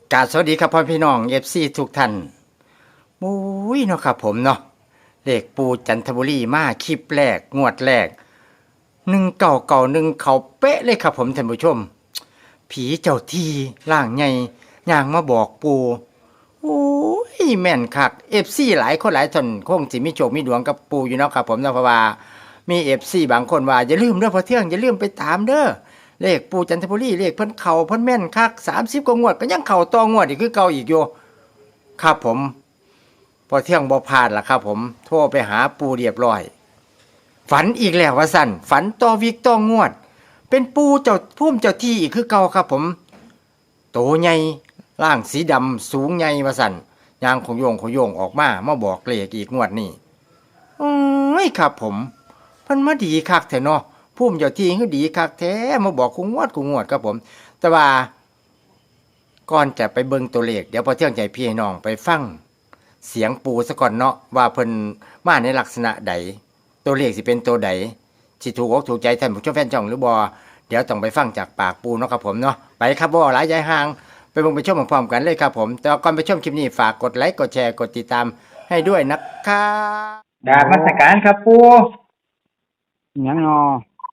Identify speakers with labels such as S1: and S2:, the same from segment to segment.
S1: กราบสวัสดีครับพ่อพี่น้องFCทุกท่านมุ้ยเนาะครับผมเนาะเลขปูจันทบุรีมาคลิปแรกงวดแรก1991เขาเป๊ะเลยครับผมท่านผู้ชมผีเจ้าที่ร่างใหญ่ย่างมาบอกปูโอ้ยแม่นคัก FC หลายคนหลายท่านคงสิมีโชคมีดวงกับปูอยู่เนาะครับผมเนาะเพราะว่ามี FC บางคนว่าอย่าลืมเด้อพอเที่ยงอย่าลืมไปตามเด้อ เลขปูจันทบุรีเลขเพิ่นเข่าเพิ่นแม่นคัก30กว่างวดก็ยังเข่าต่องวดอีกคือเก่าอีกอยู่ครับผมพอเที่ยงบ่พลาดล่ะครับผมโทรไปหาปูเรียบร้อยฝันอีกแล้วว่าสั่นฝันต่อวิกต่องวดเป็นปูเจ้าพุ่มเจ้าที่อีกคือเก่าครับผมโตใหญ่ร่างสีดำสูงใหญ่ว่าสั่นยางของโยงออกมาบอกเลขอีกงวดนี้โอ้ยครับผมเพิ่นมาดีคักแท้เนาะ พุ่มเจ้าที่คือดีคักแท้มาบอกกูงวดครับผมแต่ว่าก่อนจะไปเบิ่งตัวเลขเดี๋ยวพอเที่ยงใจพี่น้องไปฟังเสียงปูซะก่อนเนาะว่าเพิ่นมาในลักษณะใดตัวเลขสิเป็นตัวใดสิถูกอกถูกใจท่านผู้ชมแฟนช่องหรือบ่เดี๋ยวต้องไปฟังจากปากปูเนาะครับผมเนาะไปครับบ่หลายยายห่างไปเบิ่งไปชมพร้อมๆกันเลยครับผมแต่ก่อนไปชมคลิปนี้ฝากกดไลค์กดแชร์กดติดตามให้ด้วยนะครับ
S2: กราบนมัสการครับปู
S3: หยังนอก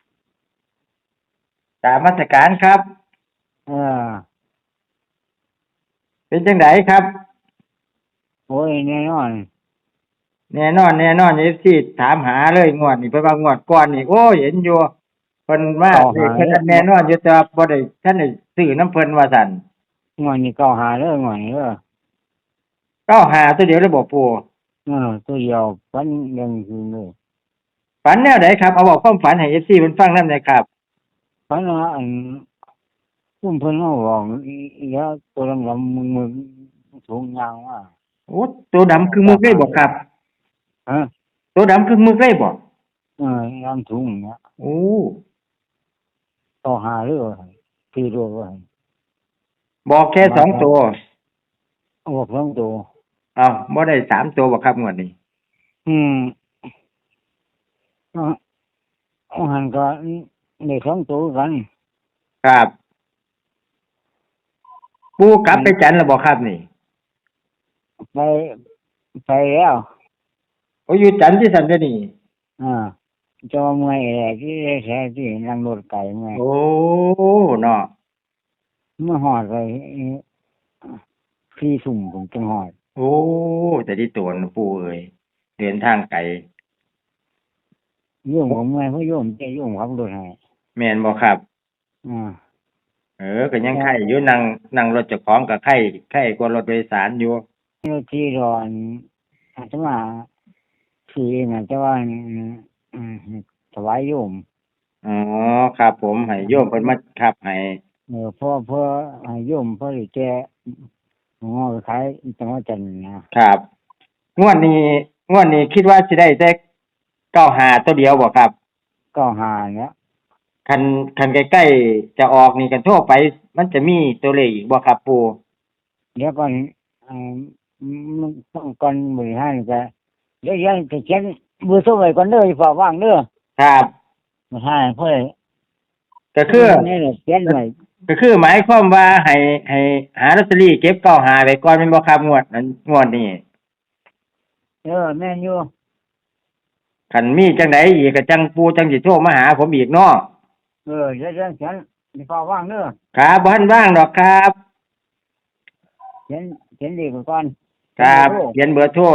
S2: ราบนมัสการครับ
S3: เออ
S2: เป็นจังไดครับ
S3: โอ้ยแน่นอน
S2: แน่นอนFCถามหาเลยงวดนี้เพิ่นว่างวดก่อนนี่โอ้ยเห็นอยู่เพิ่นมา
S3: เก้า
S2: เลข
S3: หาเลย
S2: เพิ่นแน่นอนอยู่แต่ว่าบ่ได้ท่านได้ซื้อน้ำเพิ่นว่าซั่น
S3: งวดนี้เก้าหาเด้องวดนี้เด้อ
S2: 95ตัวเดียวเลยบ่ปู่
S3: ตัวเดียวฟันยังคือเลย
S2: ฝันแนวใดครับเอาเว้าความฝันให้ FC เพิ่นฟังนำหน่อยครับ
S3: ฟันว่าซุ่มเพิ่นมาบอกอีแล้วตัวดำๆมึงสูงยาวว่า
S2: โอ้ตัวดำคือมึกเลยบ่ครับ
S3: ฮะ
S2: ตัวดำคือมึกเลยบ่
S3: ยามสูงเนี่ย
S2: โอ้
S3: เก้าหาเลยคือตัวว่า
S2: บอกแค่2ตัว
S3: บอกสองตัว
S2: อ้าวบ่ได้3ตัวบ่ครับงวดนี้
S3: อืมหันก็ได้สองตัวกัน
S2: ครับปู่กลับไปจันทร์แล้วบ่ครับนี่
S3: ไปไปแล้ว
S2: โอ้อยู่จันทร์ที่ซั่นเด้อนี่
S3: อ่าจะว่าเมื่อยแหละที่ได้แค่ที่นั่งรถไก่เมื่อย
S2: โอ้เนาะ
S3: เมื่อหอดไปที่สุ่มผมจังหอด
S2: โอ้แต่ที่ตัวนะปู่เอ้ยเดินทางไกล
S3: โยมผมเมื่อยเพราะโยมจะโยมขับรถให้
S2: แม่นบ่ครับ
S3: อ่า
S2: ก็ยังไข้อยู่นั่งรถเจ้าของก็ไข้กว่ารถโดยสารอยู่
S3: รถที่รอนอาจจะมาคือเองอาจจะว่าถวายโยม
S2: อ๋อครับผมให้โยมเพิ่นมาขับให้
S3: เพื่อให้โยมเพื่อแกงอขายจังหวัดจันทร์นะครับ
S2: งวดนี้คิดว่าสิได้แต่95ตัวเดียวบ่ครับ
S3: ก็หาเนี่ย
S2: คันใกล้ๆจะออกนี่กันโทรไปมันจะมีตัวเลขอีกบ่ครับปู่
S3: เดี๋ยวก่อนมันต้องก่อนบริหารก็เดี๋ยวยังจะเขียนเบอร์โทรไว้ก่อนเด้ออย่าฝากว่างเด้อ
S2: ครับ
S3: ไม่ใช่เพื่อ
S2: ก็คือ
S3: นี่แหละเขียนไว้
S2: ก็คือหมายความว่าให้หาลอตเตอรี่เก็บ95ไว้ก่อนแม่นบ่ครับงวดนี้
S3: แม่นอยู่
S2: คันมีจังไดอีกก็จังปู่จังสิโทรมาหาผมอีกเนาะ
S3: เดี๋ยวเขียนอย่าฝากว่างเด้อ
S2: ครับบ่ทันว่างดอกครับ
S3: เขียนเลขไว้ก่อน
S2: ครับเขียนเบอร์โทร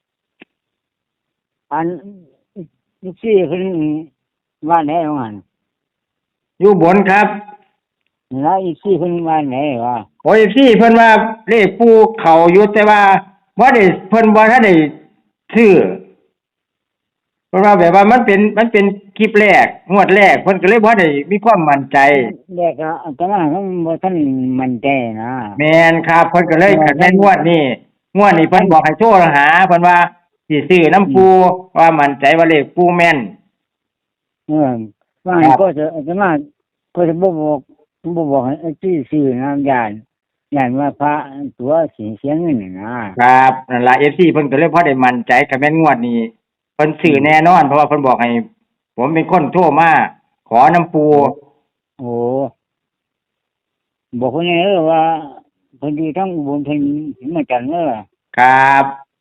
S3: อันลูกซี่ขึ้นบ้านไหนของมัน
S2: อยู่บนครับ
S3: แล้วอีกซี่ขึ้นบ้านไหนวะ
S2: โอ้ยพี่เพิ่นว่าเลขปู่เข้าอยู่แต่ว่าบ่ได้เพิ่นบ่ทันได้ซื้อเพิ่นว่าแบบว่ามันเป็นคลิปแรกงวดแรกเพิ่นก็เลยบ่ได้มีความมั่นใจ
S3: แรกก็แต่ว่าก็บ่ทันมั่นใจนะ
S2: แม่นครับเพิ่นก็เลยคันแม่นงวดนี้เพิ่นบอกให้โทรหาเพิ่นว่าสิซื้อน้ำปู่ว่ามั่นใจว่าเลขปู่แม่น
S3: ว่าก็จะมาก็จะบอกให้ที่ซื้อน้ำยานว่าพระตัวเสียเงิน
S2: นะครับนั่นล่ะ FC เพิ่นก็เลยพอได้มั่นใจคันแม่นงวดนี้เพิ่นซื้อแน่นอนเพราะว่าเพิ่นบอกให้ผมเป็นคนโทรมาขอน้ำปู
S3: โอ้บอกคนนี้ว่าเพิ่นดีทั้งอุบลเพิ่นถึงมาจันทร์เด้อ
S2: ครับ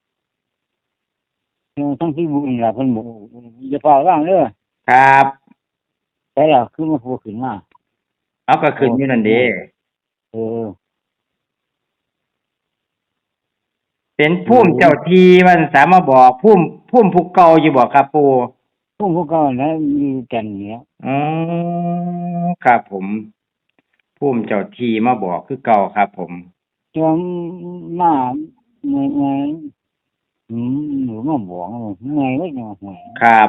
S3: ทั้งที่บุญล่ะเพิ่นบอกอย่าเฝ้าว่างเด้อ
S2: ครับ
S3: แต่แล้วคือมาพูดขึ้นมา
S2: เอาก็ขึ้นอยู่นั่นเด้
S3: เออ
S2: เป็นภูมิเจ้าที่มันสามารถบอกภูมิภูเก่าอยู่บ่ครับปู่
S3: พวกเขานะมีจันทร์เนี่ย
S2: อ๋อครับผมภูมิเจ้าที่มาบอกคือเก่าครับผม
S3: จอมมาเมื่อหนูมาบอกไงไว้จังหวะ
S2: ครับ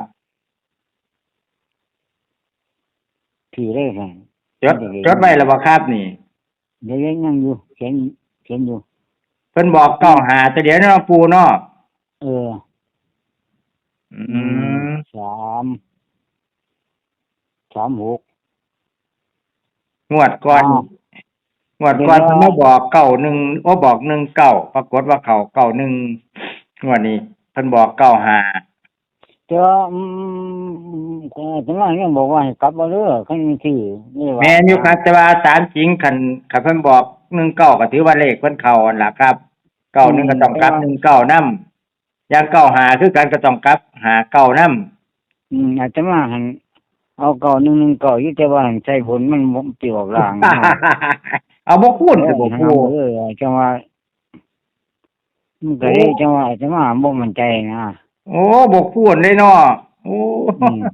S3: ถือได้ซั่น
S2: จดไว้แล้วบ่ครับนี่
S3: เดี๋ยวยังอยู่เขียนอยู่
S2: เพิ่นบอกเก้าหาแต่เดี๋ยวเนาะปู่เนาะ
S3: เออ
S2: อืม
S3: 36
S2: งวดก่อน
S3: อ้าว
S2: งวดก่อนเพิ่นมาบอกเก้าหนึ่งโอ้บอก19ปรากฏว่าเขาเก้าหนึ่งงวดนี้เพิ่นบอกเก้าหา
S3: แต่ว่าแต่ว่ายังบอกว่าให้กลับมาเด้อคันที่นี่ว่า
S2: แม่นอยู่ครับแต่ว่าตามจริงคันเพิ่นบอก19ก็ถือว่าเลขเพิ่นเข้าอั่นล่ะครับ91ก็ต้องกลับ19นำอย่าง95คือกันก็ต้องกลับ59นำ
S3: อาจจะมาหันเอาเก่า1เก่าอยู่แต่ว่าหันใส่ผลมันบ่สิออกล่าง
S2: เอาบ่คูณสิบ่ปู่
S3: จังว่ามันก็เลยจังว่าจะมาบ่มั่นใจนะ
S2: โอ้บ่คูณเลยเนาะโอ้
S3: อืม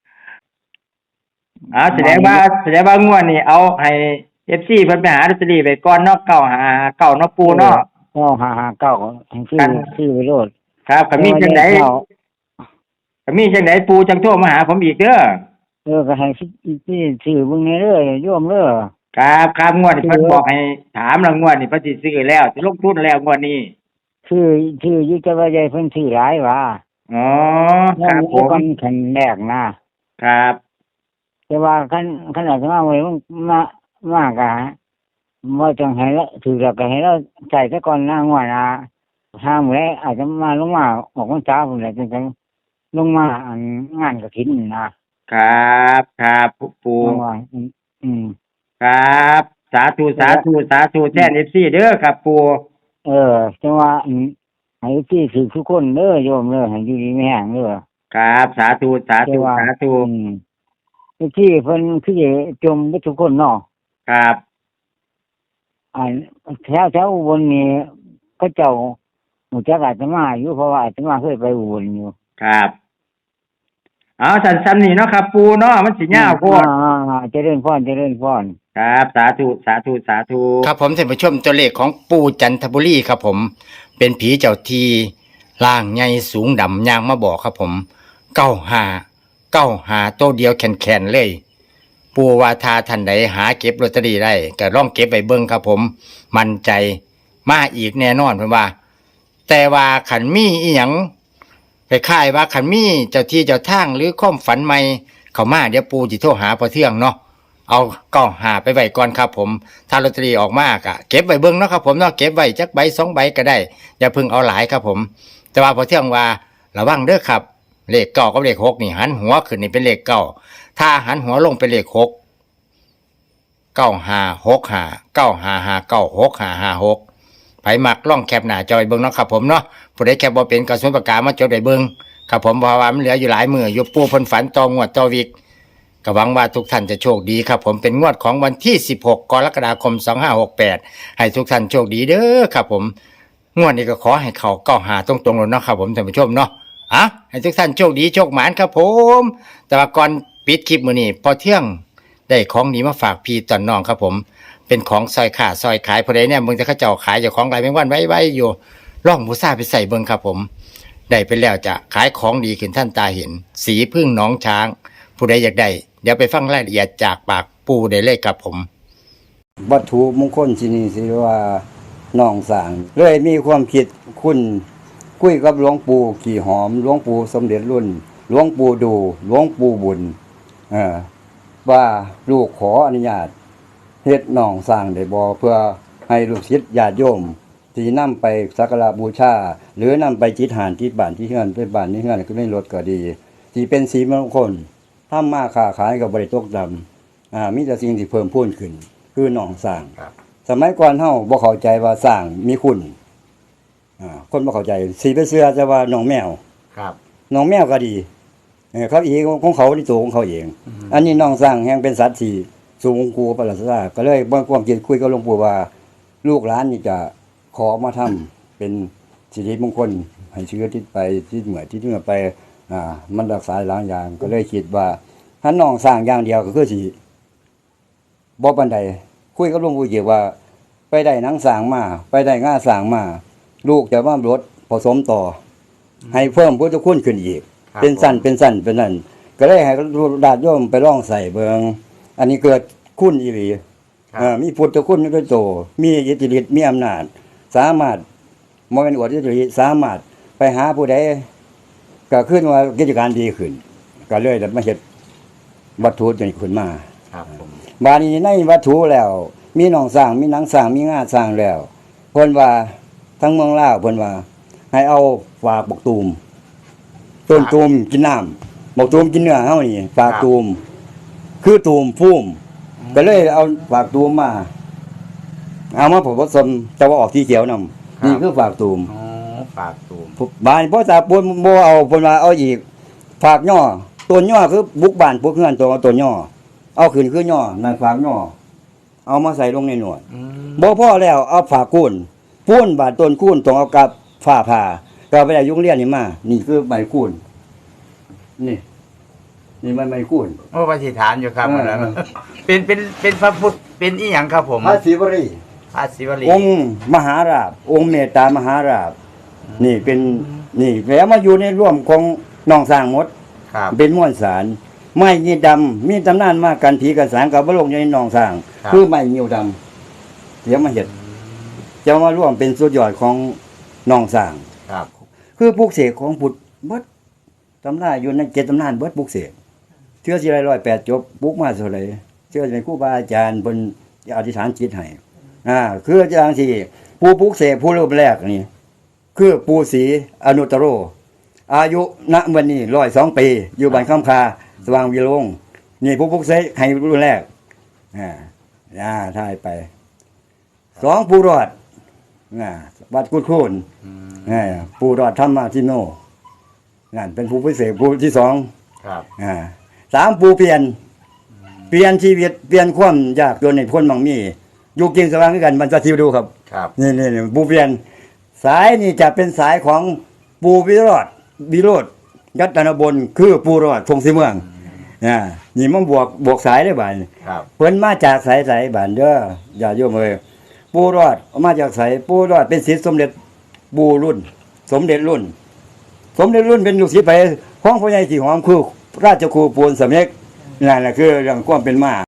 S2: แสดงว่างวดนี้เอาให้ FC เพิ่นไปหาลอตเตอรี่ไว้ก่อนเนาะ959เนาะปู่เนาะ
S3: ก็559ให้ซื้อไปโลด
S2: ครับก็มีจังได๋ปู่จังโทรมาหาผมอีกเด้อ
S3: ก็ให้ซื้อเบิ่งแน่เด้อโยมเด้อ
S2: ครับงวดนี้เพิ่นบอกให้ถามแล้วงวดนี้เพิ่นสิซื้อแล้วสิลงทุนแล้วงวดนี้
S3: ซื้ออยู่แต่ว่าใหญ่เพิ่นซื้อหลายว่า
S2: อ๋อครับผม
S3: กันคันแรกนะครับ แต่ว่าคันอาจจะมาไว้มาก็บ่ต้องให้ละถือแล้วก็ให้เราใส่ซะก่อนงวดห้ามื้อแลอาจจะมาลงมาออกพรรษาพุ่นแหละจังลงมาอันงานกฐิน
S2: ครับปู่
S3: จังว่า
S2: ครับ สาธุแทน FC เด้อครับปู่
S3: จังว่าให้ที่ถือทุกคนเด้อโยมเด้อให้อยู่ดีมีแรงเด้อ
S2: ครับสาธุ
S3: ที่เพิ่นคือจมไปทุกคนเนาะ
S2: ครับ
S3: อันแถวอุบลนี่เขาเจ้ารู้จักอาตมาอยู่เพราะว่าอาตมาเคยไปอุบลอยู่
S2: ครับเอาสั้นๆนี่เนาะครับปู่เนาะมันสิยาวโพด
S3: เจริญพร
S2: ครับสาธุ
S1: ครับผมท่านผู้ชมตัวเลขของปู่จันทบุรีครับผมเป็นผีเจ้าที่ร่างใหญ่สูงดำยางมาบอกครับผม95ตัวเดียวแข็งๆเลย ปู่ว่าถ้าท่านใดหาเก็บลอตเตอรี่ได้ก็ลองเก็บไว้เบิ่งครับผมมั่นใจมาอีกแน่นอนเพิ่นว่า แต่ว่าขันมีอีหยังคล้ายๆว่าขันมีเจ้าที่เจ้าทางหรือความฝันใหม่เข้ามาเดี๋ยวปู่สิโทรหาพอเที่ยงเนาะเอา95ไปไว้ก่อนครับผมถ้าลอตเตอรี่ออกมากะเก็บไว้เบิ่งเนาะครับผมเนาะเก็บไว้จักใบ2ใบก็ได้อย่าเพิ่งเอาหลายครับผมแต่ว่าพอเที่ยงว่าระวังเด้อครับเลข9กับเลข6นี่หันหัวขึ้นนี่เป็นเลข9ถ้าหันหัวลงเป็นเลข6 956595596556ไผมักล่องแคปหน้าจอยเบิ่งเนาะครับผมเนาะผู้ใดแคปบ่เป็นก็สมุดปากกามาจดไว้เบิ่งครับผมเพราะว่ามันเหลืออยู่หลายมื้ออยู่ปู่เพิ่นฝันต่องวดต่อวิกก็หวังว่าทุกท่านจะโชคดีครับผมเป็นงวดของวันที่16กรกฎาคม2568ให้ทุกท่านโชคดีเด้อครับผมงวดนี้ก็ขอให้เข้า95ตรงๆเลยเนาะครับผมท่านผู้ชมเนาะให้ทุกท่านโชคดีโชคหมานครับผมแต่ว่าก่อนปิดคลิปมื้อนี้พอเที่ยงได้ของดีมาฝากพี่ตอนน้องครับผมเป็นของซอยขาซอยขายผู้ใดเนี่ยมึงจะเขาเจ้าขายเจ้าของหลายแมงวันไว้อยู่ล่องหมูซ่าไปใส่เบิ่งครับผมได้ไปแล้วจะขายของดีขึ้นท่านตาเห็นสีพึ่งน้องช้างผู้ใดอยากได้เดี๋ยวไปฟังรายละเอียดจากปากปู่ได้เลยครับผม
S4: วัตถุมงคลที่นี่สิว่าน้องสางเลยมีความคิดคุณคุยกับหลวงปู่ขี่หอมหลวงปู่สมเด็จรุ่นหลวงปู่ดูหลวงปู่บุญว่าลูกขออนุญาตเฮ็ดน้องสร้างได้บ่เพื่อให้ลูกศิษย์ญาติโยมที่นำไปสักการะบูชาหรือนำไปจิตหานที่บ้านที่เฮือนไปบ้านนี้เฮือนก็ได้รถก็ดีที่เป็นสีมงคลทำมาค้าขายก็บ่ได้ตกต่ำมีแต่สิ่งที่เพิ่มพูนขึ้นคือน้องสร้างสมัยก่อนเฮาบ่เข้าใจว่าสร้างมีคุณคนบ่เข้าใจสิไปเชื่อแต่ว่าน้องแมว
S1: ครับ
S4: น้องแมวก็ดีเขาเองของเขาในตัวของเขาเอง อันนี้น้องสร้างแห่งเป็นสัตว์ที่สูงกูประหลาดซาก็เลยบ่ความคิดคุยกับหลวงปู่ว่า ลูกหลานนี่จะขอมาทำเป็นสิริมงคลให้เชื้อติดไปที่เหมือที่เหนือไปมันรักษาหลายอย่างก็เลยคิดว่าถ้าน้องสร้างอย่างเดียวก็คือสิบ่ปานใดคุยกับหลวงปู่เกี่ยวว่า ไปได้หนังสร้างมาไปได้ง่าสร้างมาลูกจะมาลดผสมต่อ ให้เพิ่มพุทธคุณขึ้นอีก
S1: ครับ
S4: เป็นสั้นเป็นนั่นก็เลยให้ญาติโยมไปลองใส่เบิงอันนี้เกิดคุณอีหลี
S1: ครับ
S4: มีพุทธคุณด้วยโตมีอิทธิฤทธิ์มีอำนาจ สามารถบ่แม่นอวดอิทธิฤทธิ์สามารถไปหาผู้ใดก็ขึ้นว่ากิจการดีขึ้น ก็เลยได้มาเฮ็ดวัตถุนี้ขึ้นมา
S1: ครับผม
S4: บาดนี้ในวัตถุแล้ว มีหนองสร้างมีหนังสร้างมีงาสร้างแล้วเพิ่นว่าทั้งเมืองลาวเพิ่นว่า ให้เอาฝากบักตูมต้นตูมกินน้ำบักตูมกินเนื้อเฮานี่ฝากตูมคือตูมพุ่มก็เลยเอาฝากตูมมาเอามาผสมแต่ว่าออกสีเขียวนำนี่คือฝากตูม
S1: อ๋อฝากตูม
S4: บ้านพ่อตาปนบ่เอาเพิ่นว่าเอาอีกฝากย่อต้นย่อคือบุกบ้านพวกเฮือนตัวต้นย่อเอาขึ้นคือย่อนั่นฝากย่อเอามาใส่ลงในหนวด
S1: อืม
S4: บ่พอแล้วเอาฝากกุ้นปูนบาดต้นกุ้นต้องเอากับฝ้าผ่าก็ไปได้ยุงเรียนนี่มานี่คือใบกุ้นนี่มันใบกุ้น
S1: โอ้ปฏิฐานอยู่ครับ
S4: เออ
S1: อันนั้นเป็นพระพุทธเป็นอีหยังครับผม
S4: พระศิวรี
S1: พระศิวลี
S4: องค์มหาราชองค์เมตตามหาราชนี่เป็นนี่แล้วมาอยู่ในร่วมของน้องสร้างหมด
S1: ครับ
S4: เป็นม้วนสารไม้ยีดำมีตำนานมากันผีกันสางกับบลงอยู่ในหนองสร้าง
S1: ครับ
S4: คือไม้ยีดำเดี๋ยวมาเห็ดจะมาร่วมเป็นสุดยอดของหนองสร้าง
S1: ครับ
S4: คือปลูกเสกของพุทธเบิดตำนานอยู่ในเจ็ดตำนานเบิดปลูกเสกเชื่อสิไร108จบปลูกมาเท่าไหร่เชื่อเป็นครูบาอาจารย์เพิ่นอธิษฐานจิตให้คืออาจารย์ที่ผู้ปลูกเสกผู้เริ่มแรกนี่คือปู่ศรีอนุตตโร อายุณวันนี้102 ปี อยู่บ้านคำคาสว่างวิโรงนี่ผู้ปลุกเสกให้รุ่นแรกถ่ายไป2ผู้รอดวัดกุดโคนผู้รอดธรรมทิโนนั่นเป็นผู้พิเศษผู้ที่2
S1: ครับ
S4: 3ผู้เปลี่ยนชีวิตเปลี่ยนความยากจนในคนบางมีอยู่กินสว่างด้วยกันมันจะทิวดูครับ
S1: ครับ
S4: นี่ผู้เปลี่ยนสายนี่จะเป็นสายของปูวิโรธยัตนบลคือปูรอดทงสีเมืองนี่มันบวกสายได้บาน
S1: ครับ
S4: เพิ่นมาจากสายบานเด้ออย่าโยมเอ้ยปูรอดมาจากสายปูรอดเป็นศิษย์สมเด็จปูรุ่น สมเด็จรุ่นเป็นลูกศิษย์ไปของพ่อใหญ่สีหอมคือราชครูปูนสำเร็จนั่นแหละคือเรื่องความเป็นมา